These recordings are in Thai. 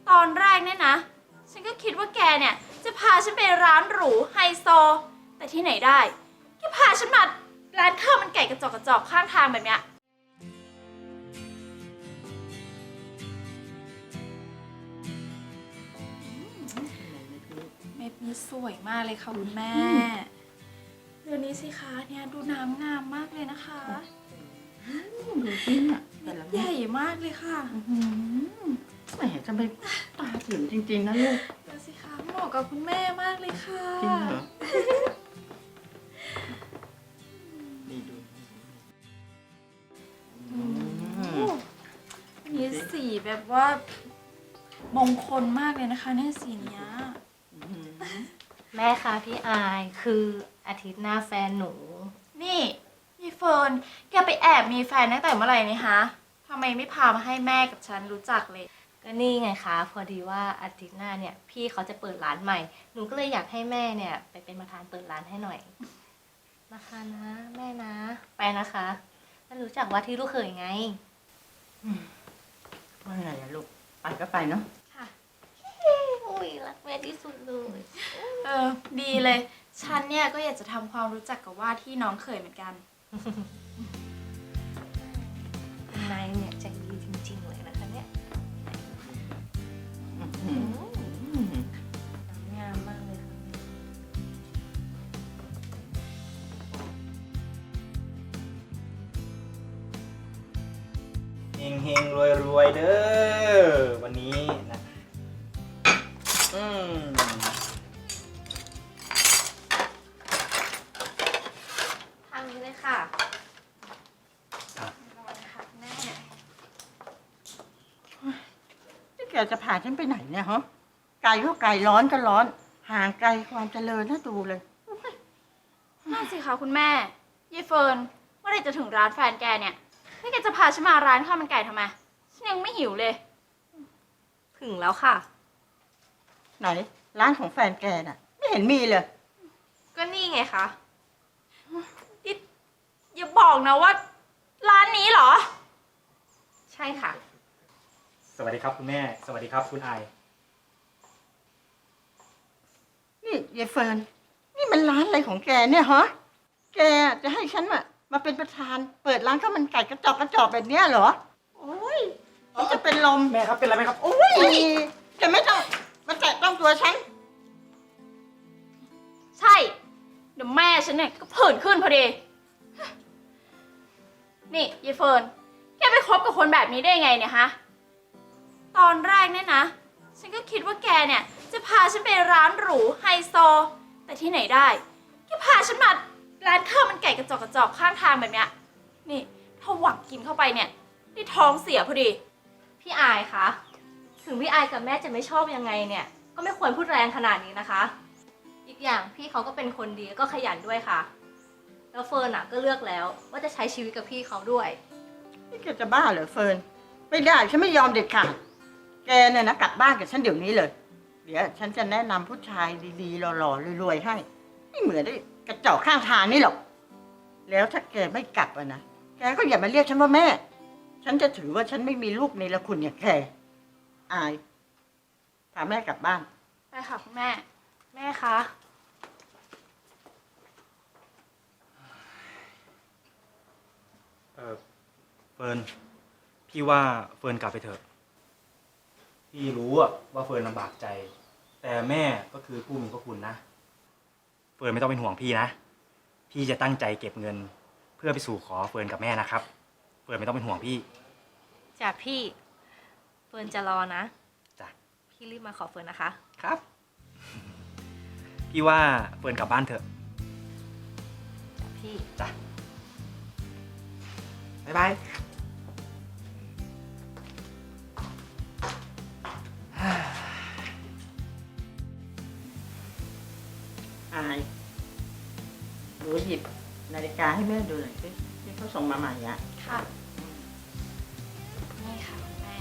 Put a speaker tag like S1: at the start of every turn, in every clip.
S1: ตอนแรกเนี่ยนะฉันก็คิดว่าแกเนี่ยจะพาฉันไปร้านหรูไฮโซแต่ที่ไหนได้แกพาฉันมาร้านข้าวมันไก่กระจอกข้างทางแบบเนี้ยเม็ดนี้สวยมากเลยค่ะคุณแม่เดี๋ยวนี้สิคะเนี่ยดูน้ำงามมากเลยนะคะ
S2: ดูจริงอ่ะ
S1: เม็ดใหญ่มากเลยค่ะ
S2: แหมจะไปตาถึงจริงๆนะลูก
S1: เดี๋ยวสิคะเหมาะกับคุณแม่มากเลยค่ะ
S2: จริงเหรอนี่ดู
S1: มีสีแบบว่ามงคลมากเลยนะคะเนี่ยสีเนี้ย
S3: แม่คะพี่อายคืออาทิตย์หน้าแฟนหนู
S1: นี่ยายเฟิร์นแกไปแอบมีแฟนตั้งแต่เมื่อไหร่นี่ฮะทำไมไม่พามาให้แม่กับฉันรู้จักเลย
S3: ก็นี่ไงคะพอดีว่าอาทิตย์หน้าเนี่ยพี่เขาจะเปิดร้านใหม่หนูก็เลยอยากให้แม่เนี่ยไปเป็นประธานเปิดร้านให้หน่อยนะคะนะแม่นะไปนะคะแล้วรู้จักว่าที่ลูกเขยไง
S2: ว่าไงอะลูกไปก็ไปเนาะ
S1: ค่ะ
S3: อุ้ยรักแม่ที่สุดเลย
S1: ดีเลยฉันเนี่ยก็อยากจะทำความรู้จักกับว่าที่น้องเขยเหมือนกัน
S3: นายเนี่ยใจดีจริงๆเลยนะคะเนี่ยงามมากเลยค่ะ
S4: เฮงเฮงรวยรวยเด้อวันนี้นะ
S3: ทางนี้เลยค่ะ
S1: แม่
S2: นี่แกจะพาฉันไปไหนเนี่ยฮะไกลก็ไกลร้อนก็ร้อนห่างไกลความเจริญน่าดูเลย
S1: นั่นสิคะคุณแม่ยายเฟิร์นเมื่อไหรจะถึงร้านแฟนแกเนี่ยนี่แกจะพาฉันมาร้านข้าวมันไก่ทำไมฉันยังไม่หิวเลย
S3: ถึงแล้วค่ะ
S2: ไหนร้านของแฟนแกน่ะไม่เห็นมีเลย
S3: ก็นี่ไงคะ
S1: อย่าบอกนะว่าร้านนี้เหรอ
S3: ใช่ค่ะ
S4: สวัสดีครับคุณแม่สวัสดีครับคุณไอ
S2: นี่ยายเฟิร์นนี่มันร้านอะไรของแกเนี่ยฮะแกจะให้ฉันมาเป็นประธานเปิดร้านข้าวมันไก่กระจอกแบบเนี้ยเหรอโอ้ยฉันจะเป็นลม
S4: แม่ครับเป็นไรไหมครับ
S2: โอ้ยแกไม่ต้องมาแตะต้องตัวฉัน
S1: ใช่เดี๋ยวแม่ฉันเนี่ยก็ผื่นขึ้นพอดีนี่ยายเฟิร์นแกไปคบกับคนแบบนี้ได้ไงเนี่ยฮะตอนแรกเนี่ยนะฉันก็คิดว่าแกเนี่ยจะพาฉันไปร้านหรูไฮโซแต่ที่ไหนได้แกพาฉันมาร้านข้าวมันไก่กระจอกข้างทางแบบเนี้ยนี่ถ้าหวังกินเข้าไปเนี่ยได้ท้องเสียพอดี
S3: พี่อายคะถึงพี่อายกับแม่จะไม่ชอบยังไงเนี่ยก็ไม่ควรพูดแรงขนาดนี้นะคะอีกอย่างพี่เขาก็เป็นคนดีก็ขยันด้วยค่ะแล้วเฟิร์นก็เลือกแล้วว่าจะใช้ชีวิตกับพี่เขาด้วย
S2: นี่แกจะบ้าเหรอเฟิร์นไม่ได้ฉันไม่ยอมเด็ดขาดแกเนี่ยนะกลับบ้านกับฉันเดี๋ยวนี้เลยเดี๋ยวฉันจะแนะนำผู้ชายดีๆหล่อๆรวยๆให้ไม่เหมือนได้กระจอกข้างทางนี่หรอกแล้วถ้าแกไม่กลับนะแกก็อย่ามาเรียกฉันว่าแม่ฉันจะถือว่าฉันไม่มีลูกในละคุณอย่างแกอายพาแม่กลับบ้าน
S1: ไปค่ะคุณแม่
S3: แม่คะ
S4: เฟิร์นพี่ว่าเฟิร์นกลับไปเถอะพี่รู้ว่าเฟิร์นลำบากใจแต่แม่ก็คือผู้มีพระคุณนะเฟิร์นไม่ต้องเป็นห่วงพี่นะพี่จะตั้งใจเก็บเงินเพื่อไปสู่ขอเฟิร์นกับแม่นะครับเฟิร์นไม่ต้องเป็นห่วงพี่
S3: จ้ะพี่เฟิร์นจะรอนะ
S4: จ้ะ
S3: พี่รีบมาขอเฟิร์นนะคะ
S4: ครับพี่ว่าเฟิร์นกลับบ้านเถอะ
S3: จ้ะพี่
S4: จ้ะบ๊ายบาย
S2: อายดูหยิบนาฬิกาให้แม่ดูหน่อยสิที่เขาส่งมาใหม่อะ
S1: ค่ะนี่ค่ะคุณแม่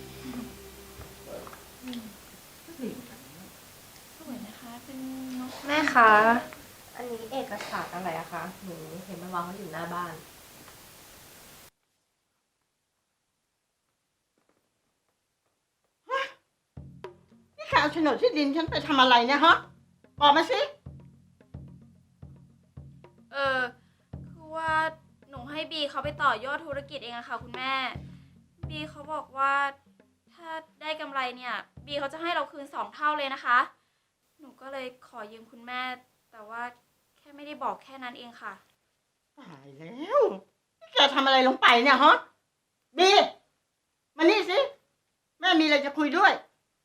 S1: สวยนะคะเป็นนก
S3: แม่คะอันนี้เอกสารอะไรอะคะหนูเห็นมันวางไว้อยู่หน้าบ้าน
S2: เอาโฉนดที่ดินฉันไปทำอะไรเนี่ยฮะบอกมาสิ
S1: คือว่าหนูให้บีเขาไปต่อยอดธุรกิจเองอะค่ะคุณแม่ บีเขาบอกว่าถ้าได้กำไรเนี่ย บีเขาจะให้เราคืน2 เท่าเลยนะคะ หนูก็เลยขอยืมคุณแม่ แต่ว่าแค่ไม่ได้บอกแค่นั้นเองค่ะ
S2: ตายแล้วนี่แกทำอะไรลงไปเนี่ยฮะบีมานี่สิแม่มีอะไรจะคุยด้วย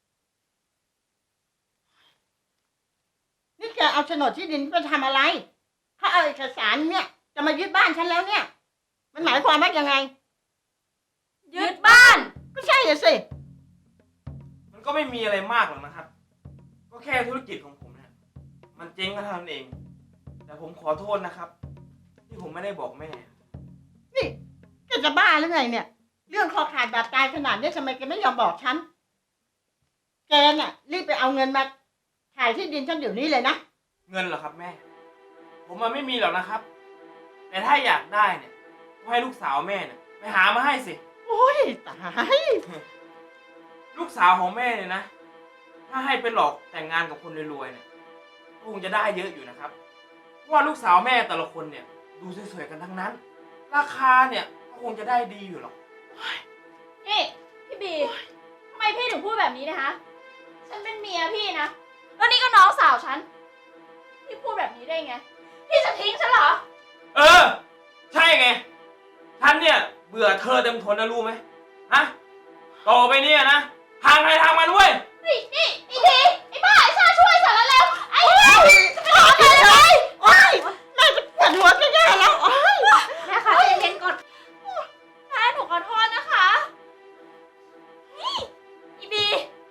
S2: นี่แกเอาโฉนดที่ดินไปทำอะไรถ้าเอาเอกสารเนี่ย จะมายึดบ้านฉันแล้วเนี่ย มันหมายความว่ายังไง
S1: ยึดบ้าน
S2: ก็ใช่อะสิ
S5: มันก็ไม่มีอะไรมากหรอกนะครับ ก็แค่ธุรกิจของผมเนี่ย มันเจ๊งก็เท่านั้นเอง แต่ผมขอโทษนะครับ ที่ผมไม่ได้บอกแม่
S2: นี่แกจะบ้าหรือไงเนี่ย เรื่องคอขาดบาดตายขนาดนี้ทำไมแกไม่ยอมบอกฉัน แกน่ะ รีบไปเอาเงินมาขายที่ดินฉันเดี๋ยวนี้เลยนะ
S5: เงินเหรอครับแม่ ผมมันไม่มีหรอกนะครับ แต่ถ้าอยากได้เนี่ยก็ให้ลูกสาวแม่เนี่ยไปหามาให้สิ
S2: โอ้ยตาย
S5: ลูกสาวของแม่เนี่ยนะ ถ้าให้ไปหลอกแต่งงานกับคนรวยๆเนี่ยก็คงจะได้เยอะอยู่นะครับเพราะว่าลูกสาวแม่แต่ละคนเนี่ย ดูสวยๆกันทั้งนั้น ราคาเนี่ยก็คงจะได้ดีอยู่หรอก
S1: นี่พี่บีทำไมพี่ถึงพูดแบบนี้นะคะ ฉันเป็นเมียพี่นะ แล้วนี่ก็น้องสาวฉัน พี่พูดแบบนี้ได้ไง พี่จะทิ้งฉันเหรอ
S5: เออ ใช่ไงฉันเนี่ยเบื่อเธอเต็มทนนะรู้ไหมฮะต่อไปเนี่ยนะทางใครทางมันเว้ย
S1: นี่ไอ้ทีไอ้บ้าไอ้ชาช่วยฉันแล้วเร็วไอ้จะไปทำอะไรเลย
S2: โอ้ยแม่จะปวดหัวจะแย่แล้วโอ้ย
S3: แม่คะใจเย็นก่อน
S1: แม่หนูขอโทษนะคะ นี่อีบี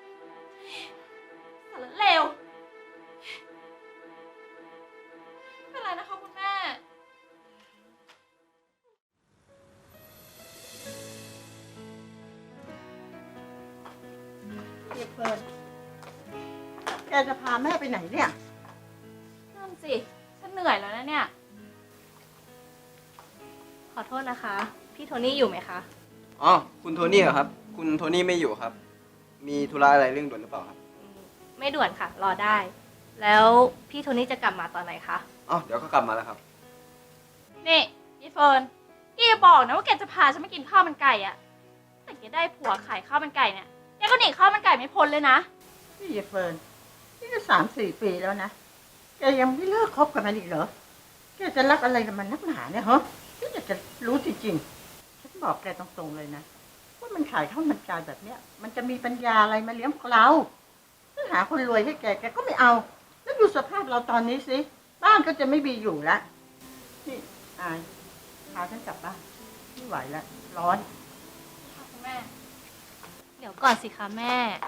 S1: สารเลวไม่เป็นไรนะคะคุณแม่
S2: เดี๋ยวเฟิร์นแกจะพาแม่ไปไหนเนี่ย
S1: นั่นสิ ฉันเหนื่อยแล้วนะเนี่ย
S3: ขอโทษนะคะ พี่โทนี่อยู่ไหมคะ
S6: อ๋อ คุณโทนี่เหรอครับ คุณโทนี่ไม่อยู่ครับ มีธุระอะไรเรื่องด่วนหรือเปล่าครับ
S3: ไม่ด่วนค่ะ รอได้ แล้วพี่โทนี่จะกลับมาตอนไหนคะ
S6: อ๋อ เดี๋ยวก็กลับมาแล้วครับ
S1: นี่อีเฟิร์นแกอย่าบอกนะว่าแกจะพาฉันมากินข้าวมันไก่อะแต่แกได้ผัวขายข้าวมันไก่เนี่ยแกก็หนีข้าวมันไก่ไม่พ้นเลยนะ
S2: นี่อย่าเฟิร์นนี่ก็3-4 ปีแล้วนะ แกยังไม่เลิกคบกับมันอีกเหรอ แกจะรักอะไรกับมันนักหนาเนี่ยฮะฉันอยากจะรู้จริงๆฉันบอกแกตรงๆเลยนะ ว่ามันขายข้าวมันไก่แบบเนี้ย มันจะมีปัญญาอะไรมาเลี้ยงพวกเราถ้าหาคนรวยให้แกแกก็ไม่เอา แล้วดูสภาพเราตอนนี้สิ บ้านก็จะไม่มีอยู่ละนี่อายพาฉันกลับบ้านไม่ไหวแล้วร้อน
S1: ค่ะคุณแม่
S3: เดี๋ยวก่อนสิคะแม่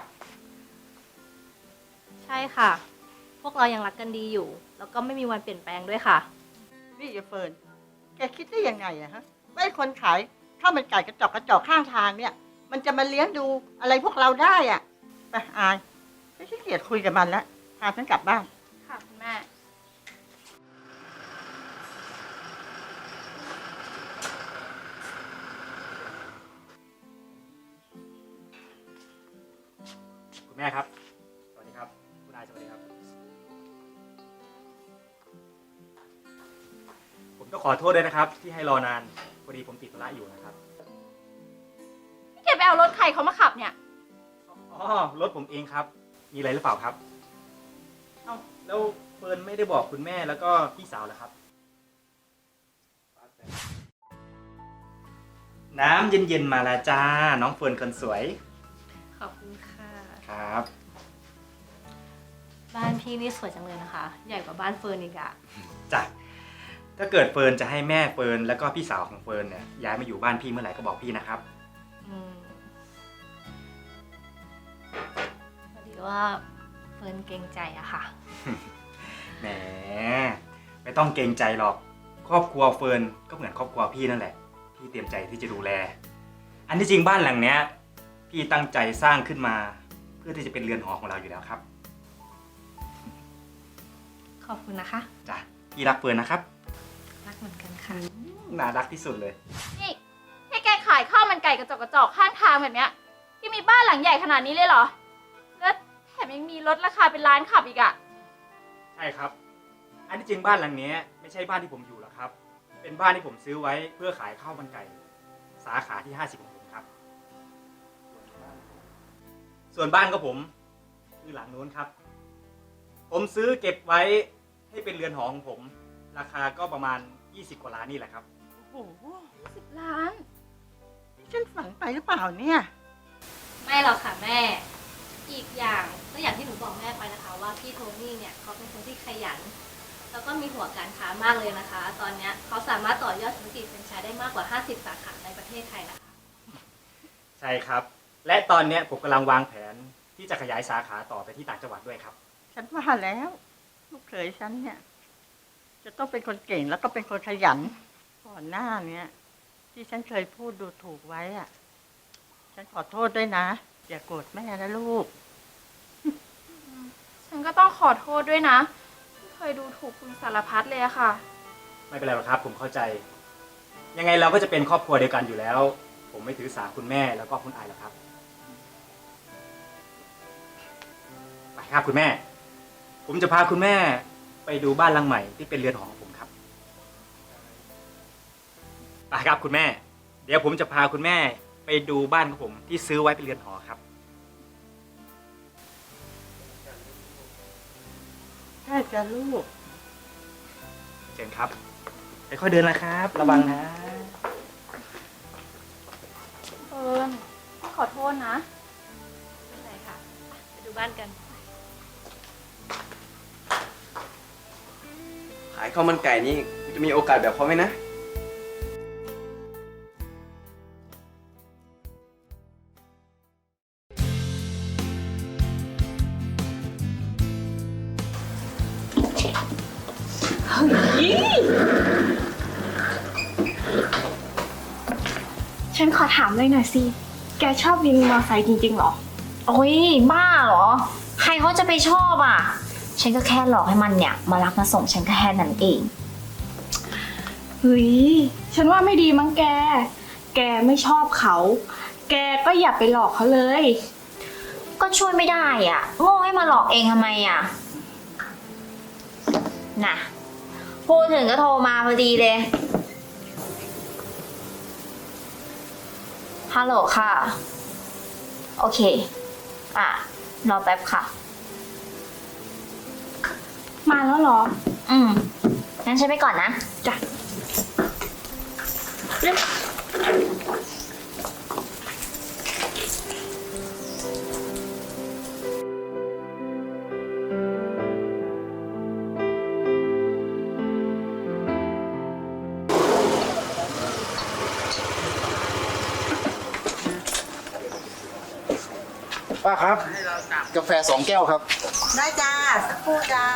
S3: ใช่ค่ะ พวกเรายังรักกันดีอยู่ แล้วก็ไม่มีวันเปลี่ยนแปลงด้วยค่ะ
S2: นี่อย่าเฟิร์น แกคิดได้ยังไงอะฮะว่าไอ้คนขายข้าวมันไก่กระจอกข้างทางเนี่ย มันจะมาเลี้ยงดูอะไรพวกเราได้อะไปอายฉันขี้เกียจคุยกับมันแล้ว พาฉันกลับบ้าน
S1: ค่ะคุณแม่
S4: คุณแม่ครับ สวัสดีครับ คุณนายสวัสดีครับ ผมต้องขอโทษด้วยนะครับ ที่ให้รอนาน พอดีผมติดธุระอยู่นะครับ
S1: นี่แกไปเอารถใครเขามาขับเนี่ย
S4: อ๋อ รถผมเองครับ มีอะไรหรือเปล่าครับ เอ้า แล้วเฟิร์นไม่ได้บอกคุณแม่แล้วก็พี่สาวเหรอครับ น้ำเย็นๆมาแล้วจ้า น้องเฟิร์นคนสวย
S3: ขอบคุณค่ะ
S4: ครับ
S3: บ้านพี่นี่สวยจังเลยนะคะ ใหญ่กว่าบ้านเฟิร์นอีกอะ
S4: จ้ะ ถ้าเกิดเฟิร์นจะให้แม่เฟิร์นแล้วก็พี่สาวของเฟิร์นเนี่ยย้ายมาอยู่บ้านพี่เมื่อไหร่ก็บอกพี่นะครับ
S3: อืมพอดีว่าเฟิร์นเกรงใจอะค่ะ
S4: แหม ไม่ต้องเกรงใจหรอก ครอบครัวเฟิร์นก็เหมือนครอบครัวพี่นั่นแหละ พี่เตรียมใจที่จะดูแล อันที่จริงบ้านหลังเนี้ย พี่ตั้งใจสร้างขึ้นมา เพื่อที่จะเป็นเรือนหอของเราอยู่แล้วครับ
S3: ขอบคุณนะคะ
S4: จ้ะ พี่รักเฟิร์นนะครับ
S3: รักเหมือนกันค่ะ
S4: น่ารักที่สุดเลย
S1: นี่ให้แกขายข้าวมันไก่กระจอกข้างทางแบบเนี้ยแกมีบ้านหลังใหญ่ขนาดนี้เลยเหรอ แล้วแถมยังมีลดราคาเป็นล้านขับอีกอะ
S4: ใช่ครับ อันที่จริงบ้านหลังนี้ไม่ใช่บ้านที่ผมอยู่หรอกครับ เป็นบ้านที่ผมซื้อไว้เพื่อขายข้าวมันไก่ สาขาที่50ของผมครับ ส่วนบ้านของผมคือหลังนู้นครับ ผมซื้อเก็บไว้ให้เป็นเรือนหอของผม ราคาก็ประมาณ20 กว่าล้านนี่แหละครับ
S2: โอ้โห
S1: 10 ล้าน
S2: ฉันฝันไปหรือเปล่าเนี่ย
S3: ไม่หรอกค่ะแม่ อีกอย่างก็อย่างที่หนูบอกแม่ไปนะคะ ว่าพี่โทนี่เนี่ยเขาเป็นคนที่ขยัน แล้วก็มีหัวการค้ามากเลยนะคะ ตอนเนี้ยเขาสามารถต่อยอดธุรกิจแฟรนไชส์ได้มากกว่า 50 สาขาในประเทศไทยนะคะ
S4: ใช่ครับ และตอนนี้ผมกำลังวางแผนที่จะขยายสาขาต่อไปที่ต่างจังหวัดด้วยครับ
S2: ฉันว่าแล้วลูกเขยฉันเนี่ย จะต้องเป็นคนเก่งแล้วก็เป็นคนขยัน ก่อนหน้าเนี้ยที่ฉันเคยพูดดูถูกไว้อะฉันขอโทษด้วยนะ อย่าโกรธแม่นะลูก
S1: ฉันก็ต้องขอโทษด้วยนะที่เคยดูถูกคุณสารพัดเลยอะค่ะ
S4: ไม่เป็นไรหรอกครับ ผมเข้าใจ ยังไงเราก็จะเป็นครอบครัวเดียวกันอยู่แล้ว ผมไม่ถือสาคุณแม่แล้วก็คุณอายหรอกครับ ไปครับคุณแม่ ผมจะพาคุณแม่ไปดูบ้านหลังใหม่ที่เป็นเรือนหอของผมครับ ไปครับคุณแม่ เดี๋ยวผมจะพาคุณแม่ไปดูบ้านของผมที่ซื้อไว้เป็นเรือนหอครับ
S2: แค่จะลูก
S4: เชิญครับค่อยๆเดินนะครับ ระวังนะ
S1: เฟิร์นขอโทษนะ
S3: ไม่เป็นไรค่ะไปดูบ้านกัน
S6: ขายข้าวมันไก่นี่กูจะมีโอกาสแบบเขาไหมนะ
S7: ฉันขอถามเลยหน่อยสิ แกชอบวินมอไซค์จริงๆเหรอ
S8: โอ้ยบ้าเหรอ ใครเขาจะไปชอบอ่ะ ฉันก็แค่หลอกให้มันเนี่ยมารับมาส่งฉันก็แค่นั้นเอง
S7: เฮ้ย ฉันว่าไม่ดีมั้งแก แกไม่ชอบเขา แกก็อย่าไปหลอกเขาเลย
S8: ก็ช่วยไม่ได้อ่ะ โง่ให้มาหลอกเองทำไมอ่ะ น่ะ พูดถึงก็โทรมาพอดีเลย ฮัลโหลค่ะ โอเค อ่ะ รอแป๊บค่ะ
S7: มาแล้วเหรอ
S8: อืม งั้นฉันไปก่อนนะ
S7: จ้ะ
S9: ป้าครับ กาแฟ2 แก้วครับ
S2: ได้จ้า สักครู่จ้า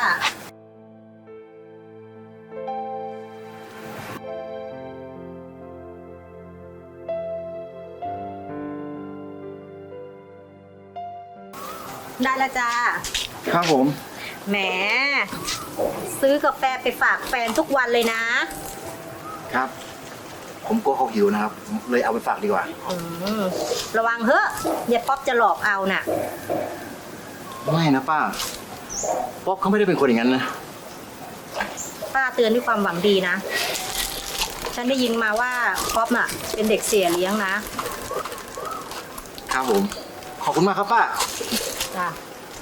S10: ได้แล้วจ้า
S9: ครับผม
S10: แหม ซื้อกาแฟไปฝากแฟนทุกวันเลยนะ
S9: ครับ ผมกลัวเขาหิวนะครับผมเลยเอาไปฝากดีกว่า
S10: ระวังเฮ้อะอย่าป๊อปจะหลอกเอาน่ะ
S9: ไม่นะป้า ป๊อปเขาไม่ได้เป็นคนอย่างนั้นนะ
S10: ป้าเตือนด้วยความหวังดีนะ ฉันได้ยินมาว่าป๊อปน่ะ เป็นเด็กเสียเลี้ยงนะ
S9: ครับผม ขอบคุณมากครับป้า
S10: จ้า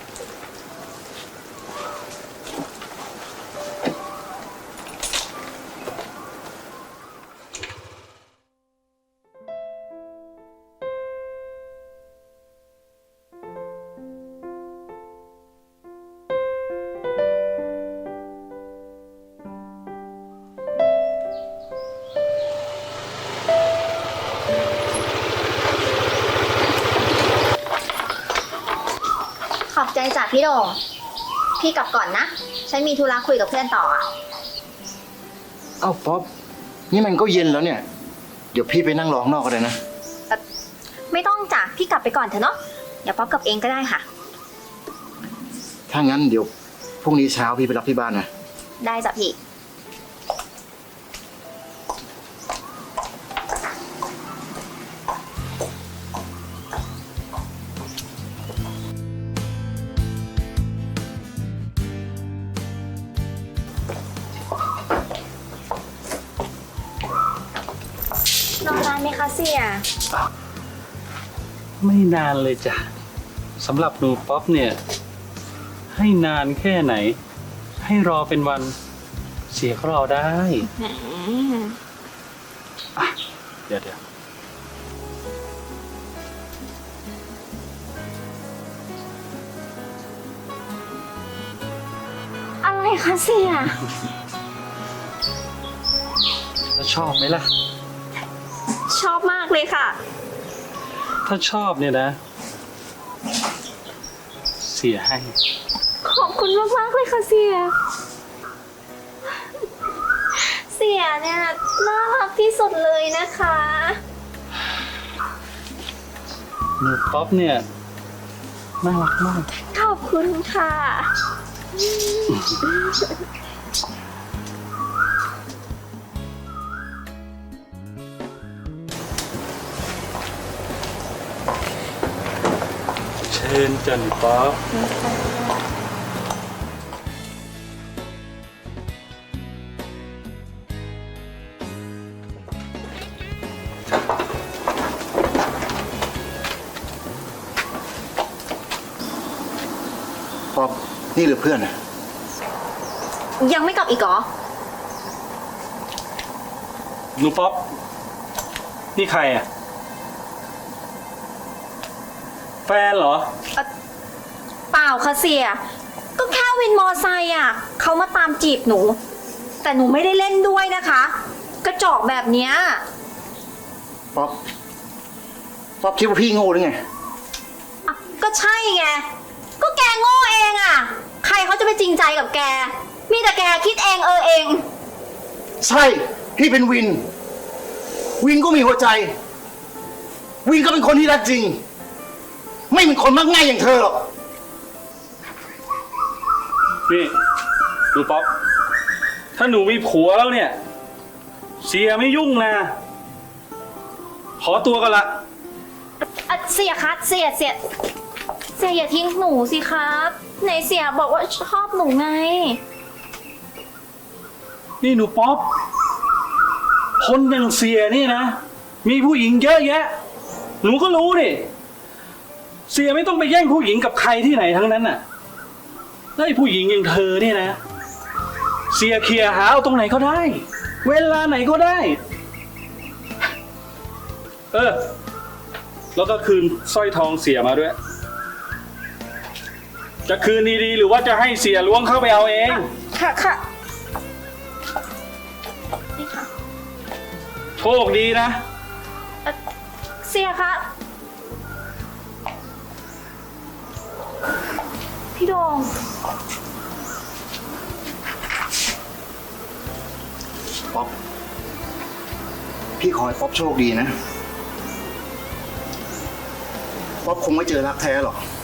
S8: ขอบใจจากพี่โด่งพี่กลับก่อนนะ ฉันมีธุระคุยกับเพื่อนต่ออ่ะ
S9: เอ้าป๊อป นี่มันก็เย็นแล้วเนี่ย เดี๋ยวพี่ไปนั่งรอข้างนอกก็ได้นะ
S8: ไม่ต้องจ้ะพี่กลับไปก่อนเถอะเนาะเดี๋ยวป๊อปกลับเองก็ได้ค่ะ
S9: ถ้างั้นเดี๋ยวพรุ่งนี้เช้าพี่ไปรับที่บ้านนะ
S8: ได้จ้ะพี่คะเสีย
S11: ไม่นานเลยจ้ะสำหรับหนูป๊อปเนี่ย ให้นานแค่ไหน ให้รอเป็นวัน เสียก็รอได้อ่ะเดี๋ยว
S8: อะไรคะเสีย
S11: แล้วชอบไหมล่ะ
S8: ชอบมากเลยค่ะ
S11: ถ้าชอบเนี่ยนะ เสียให้
S8: ขอบคุณมากๆเลยค่ะเสีย เสียเนี่ยน่ารักที่สุดเลยนะคะ
S11: หนูป๊อปเนี่ย น่ารักมาก
S8: ขอบคุณค่ะ
S11: เชิญจันป๊อป
S9: ป๊อปนี่หรือเพื่อนอะ
S8: ยังไม่กลับอีกเหรอ
S11: หนูป๊อป นี่ใครอ่ะ แฟนเหรอ
S8: เปล่าค่ะเสีย ก็แค่วินมอไซค์อ่ะเขามาตามจีบหนู แต่หนูไม่ได้เล่นด้วยนะคะ กระจอกแบบเนี้ย
S9: ป๊อป ป๊อปคิดว่าพี่โง่หรือไง
S8: อ่ะก็ใช่ไง ก็แกโง่เองอ่ะ ใครเขาจะไปจริงใจกับแก มีแต่แกคิดเองเอง
S9: ใช่ พี่เป็นวิน วินก็มีหัวใจ วินก็เป็นคนที่รักจริง ไม่เป็นคนมักง่ายอย่างเธอหรอก
S11: นี่หนูป๊อป ถ้าหนูมีผัวแล้วเนี่ย เสียไม่ยุ่งนะ ขอตัวกันละ
S8: เสียคะเสียอย่าทิ้งหนูสิครับไหนเสียบอกว่าชอบหนูไง
S11: นี่หนูป๊อป คนอย่างเสียนี่นะ มีผู้หญิงเยอะแยะ หนูก็รู้ดิ เสียไม่ต้องไปแย่งผู้หญิงกับใครที่ไหนทั้งนั้นน่ะแล้วไอ้ผู้หญิงอย่างเธอเนี่ยนะ เสียเคลียร์หาเอาตรงไหนก็ได้ เวลาไหนก็ได้ แล้วก็คืนสร้อยทองเสียมาด้วย จะคืนดีๆหรือว่าจะให้เสียล้วงเข้าไปเอาเอง
S8: ค่ะนี่ค่ะ
S11: โชคดีนะ
S8: เสียคะพี่โดง
S9: ป๊อป พี่ขอให้ป๊อปโชคดีนะ ป๊อปคงไม่เจอรักแท้หรอก